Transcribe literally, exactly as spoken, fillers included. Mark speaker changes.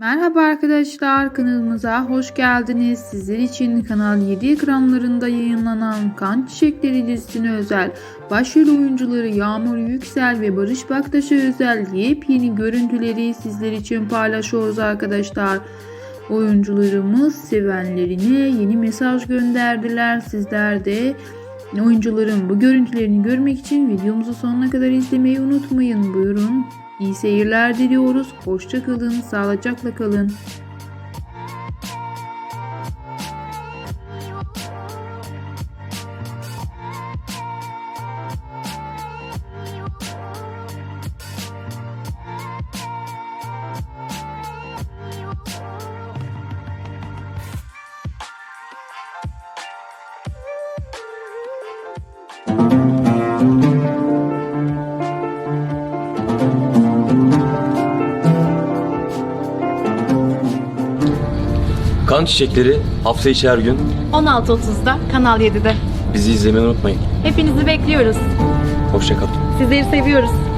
Speaker 1: Merhaba arkadaşlar, kanalımıza hoş geldiniz. Sizler için Kanal yedi ekranlarında yayınlanan Kan Çiçekleri dizisine özel başrol oyuncuları Yağmur Yüksel ve Barış Baktaş'a özel yepyeni görüntüleri sizler için paylaşıyoruz arkadaşlar. Oyuncularımız sevenlerine yeni mesaj gönderdiler. Sizler de oyuncuların bu görüntülerini görmek için videomuzu sonuna kadar izlemeyi unutmayın. Buyurun. İyi seyirler diliyoruz. Hoşça kalın, sağlıcakla kalın.
Speaker 2: Kan Çiçekleri hafta içi her gün
Speaker 3: on altı otuzda Kanal yedide.
Speaker 2: bizi izlemeyi unutmayın.
Speaker 3: Hepinizi bekliyoruz.
Speaker 2: Hoşça kalın.
Speaker 3: Sizleri seviyoruz.